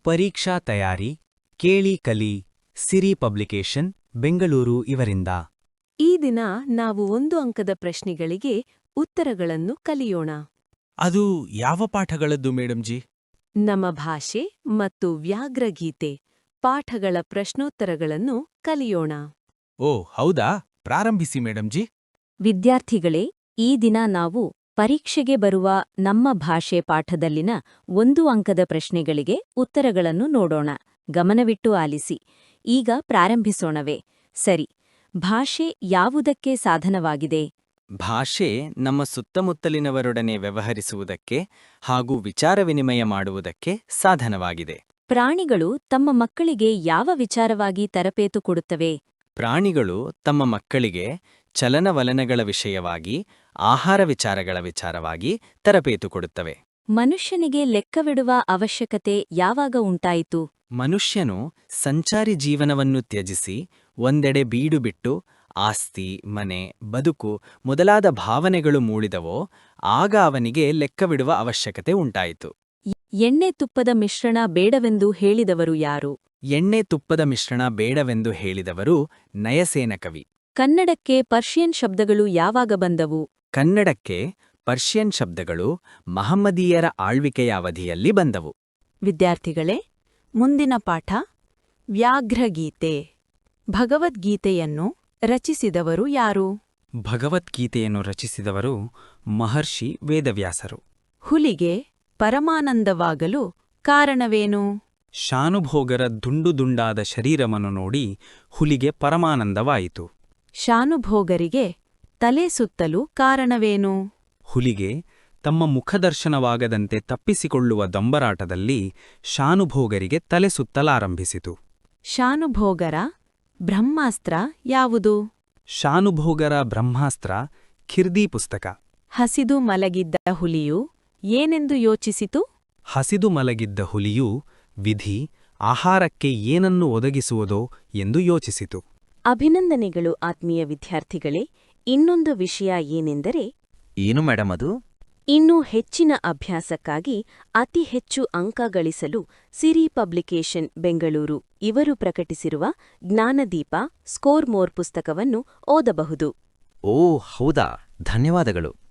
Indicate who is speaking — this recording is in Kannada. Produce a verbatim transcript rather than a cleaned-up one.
Speaker 1: ಪರೀಕ್ಷಾ ತಯಾರಿ ಕೇಳಿ ಕಲಿ ಸಿರಿ ಪಬ್ಲಿಕೇಶನ್ ಬೆಂಗಳೂರು ಇವರಿಂದ
Speaker 2: ಈ ದಿನ ನಾವು ಒಂದು ಅಂಕದ ಪ್ರಶ್ನೆಗಳಿಗೆ ಉತ್ತರಗಳನ್ನು ಕಲಿಯೋಣ.
Speaker 1: ಅದು ಯಾವ ಪಾಠಗಳದ್ದು ಮೇಡಮ್ ಜಿ?
Speaker 2: ನಮ್ಮ ಭಾಷೆ ಮತ್ತು ವ್ಯಾಘ್ರಗೀತೆ ಪಾಠಗಳ ಪ್ರಶ್ನೋತ್ತರಗಳನ್ನು ಕಲಿಯೋಣ.
Speaker 1: ಓ ಹೌದಾ, ಪ್ರಾರಂಭಿಸಿ ಮೇಡಮ್ ಜಿ.
Speaker 3: ವಿದ್ಯಾರ್ಥಿಗಳೇ, ಈ ದಿನ ನಾವು ಪರೀಕ್ಷೆಗೆ ಬರುವ ನಮ್ಮ ಭಾಷೆ ಪಾಠದಲ್ಲಿನ ಒಂದು ಅಂಕದ ಪ್ರಶ್ನೆಗಳಿಗೆ ಉತ್ತರಗಳನ್ನು ನೋಡೋಣ. ಗಮನವಿಟ್ಟು ಆಲಿಸಿ. ಈಗ ಪ್ರಾರಂಭಿಸೋಣವೇ? ಸರಿ. ಭಾಷೆ ಯಾವುದಕ್ಕೆ ಸಾಧನವಾಗಿದೆ?
Speaker 4: ಭಾಷೆ ನಮ್ಮ ಸುತ್ತಮುತ್ತಲಿನವರೊಡನೆ ವ್ಯವಹರಿಸುವುದಕ್ಕೆ ಹಾಗೂ ವಿಚಾರ ವಿನಿಮಯ ಮಾಡುವುದಕ್ಕೆ ಸಾಧನವಾಗಿದೆ.
Speaker 3: ಪ್ರಾಣಿಗಳು ತಮ್ಮ ಮಕ್ಕಳಿಗೆ ಯಾವ ವಿಚಾರವಾಗಿ ತರಬೇತು ಕೊಡುತ್ತವೆ?
Speaker 4: ಪ್ರಾಣಿಗಳು ತಮ್ಮ ಮಕ್ಕಳಿಗೆ ಚಲನವಲನಗಳ ವಿಷಯವಾಗಿ, ಆಹಾರ ವಿಚಾರಗಳ ವಿಚಾರವಾಗಿ ತರಬೇತು ಕೊಡುತ್ತವೆ.
Speaker 3: ಮನುಷ್ಯನಿಗೆ ಲೆಕ್ಕವಿಡುವ ಅವಶ್ಯಕತೆ ಯಾವಾಗ ಉಂಟಾಯಿತು?
Speaker 4: ಮನುಷ್ಯನು ಸಂಚಾರಿ ಜೀವನವನ್ನು ತ್ಯಜಿಸಿ ಒಂದೆಡೆ ಬೀಡು ಬಿಟ್ಟು ಆಸ್ತಿ, ಮನೆ, ಬದುಕು ಮೊದಲಾದ ಭಾವನೆಗಳು ಮೂಡಿದವೋ ಆಗ ಅವನಿಗೆ ಲೆಕ್ಕವಿಡುವ ಅವಶ್ಯಕತೆ ಉಂಟಾಯಿತು.
Speaker 3: ಎಣ್ಣೆ ತುಪ್ಪದ ಮಿಶ್ರಣ ಬೇಡವೆಂದು ಹೇಳಿದವರು ಯಾರು?
Speaker 4: ಎಣ್ಣೆ ತುಪ್ಪದ ಮಿಶ್ರಣ ಬೇಡವೆಂದು ಹೇಳಿದವರು ನಯಸೇನ ಕವಿ.
Speaker 3: ಕನ್ನಡಕ್ಕೆ ಪರ್ಷಿಯನ್ ಶಬ್ದಗಳು ಯಾವಾಗ ಬಂದವು?
Speaker 4: ಕನ್ನಡಕ್ಕೆ ಪರ್ಷಿಯನ್ ಶಬ್ದಗಳು ಮಹಮ್ಮದೀಯರ ಆಳ್ವಿಕೆಯ ಅವಧಿಯಲ್ಲಿ ಬಂದವು.
Speaker 2: ವಿದ್ಯಾರ್ಥಿಗಳೇ, ಮುಂದಿನ ಪಾಠ ವ್ಯಾಘ್ರಗೀತೆ. ಭಗವದ್ಗೀತೆಯನ್ನು ರಚಿಸಿದವರು ಯಾರು?
Speaker 1: ಭಗವದ್ಗೀತೆಯನ್ನು ರಚಿಸಿದವರು ಮಹರ್ಷಿ ವೇದವ್ಯಾಸರು.
Speaker 2: ಹುಲಿಗೆ ಪರಮಾನಂದವಾಗಲು ಕಾರಣವೇನು?
Speaker 1: ಶಾನುಭೋಗರ ದುಂಡು ದುಂಡಾದ ಶರೀರವನ್ನು ನೋಡಿ ಹುಲಿಗೆ ಪರಮಾನಂದವಾಯಿತು.
Speaker 2: ಶಾನುಭೋಗರಿಗೆ ತಲೆ ಸುತ್ತಲು ಕಾರಣವೇನು?
Speaker 1: ಹುಲಿಗೆ ತಮ್ಮ ಮುಖದರ್ಶನವಾಗದಂತೆ ತಪ್ಪಿಸಿಕೊಳ್ಳುವ ದೊಂಬರಾಟದಲ್ಲಿ ಶಾನುಭೋಗರಿಗೆ ತಲೆ ಸುತ್ತಲಾರಂಭಿಸಿತು.
Speaker 2: ಶಾನುಭೋಗರ ಬ್ರಹ್ಮಾಸ್ತ್ರ ಯಾವುದು?
Speaker 1: ಶಾನುಭೋಗರ ಬ್ರಹ್ಮಾಸ್ತ್ರ ಖಿರ್ದಿ ಪುಸ್ತಕ.
Speaker 2: ಹಸಿದು ಮಲಗಿದ್ದ ಹುಲಿಯು ಏನೆಂದು ಯೋಚಿಸಿತು?
Speaker 1: ಹಸಿದು ಮಲಗಿದ್ದ ಹುಲಿಯು ವಿಧಿ ಆಹಾರಕ್ಕೆ ಏನನ್ನು ಒದಗಿಸುವುದೋ ಎಂದು ಯೋಚಿಸಿತು.
Speaker 3: ಅಭಿನಂದನೆಗಳು ಆತ್ಮೀಯ ವಿದ್ಯಾರ್ಥಿಗಳೇ. ಇನ್ನೊಂದು ವಿಷಯ ಏನೆಂದರೆ,
Speaker 4: ಏನು ಮೇಡಮ್ ಅದು?
Speaker 3: ಇನ್ನೂ ಹೆಚ್ಚಿನ ಅಭ್ಯಾಸಕ್ಕಾಗಿ ಅತಿ ಹೆಚ್ಚು ಅಂಕ ಗಳಿಸಲು ಸಿರಿ ಪಬ್ಲಿಕೇಶನ್ ಬೆಂಗಳೂರು ಇವರು ಪ್ರಕಟಿಸಿರುವ ಜ್ಞಾನದೀಪ ಸ್ಕೋರ್ ಮೋರ್ ಪುಸ್ತಕವನ್ನು ಓದಬಹುದು.
Speaker 4: ಓ ಹೌದಾ, ಧನ್ಯವಾದಗಳು.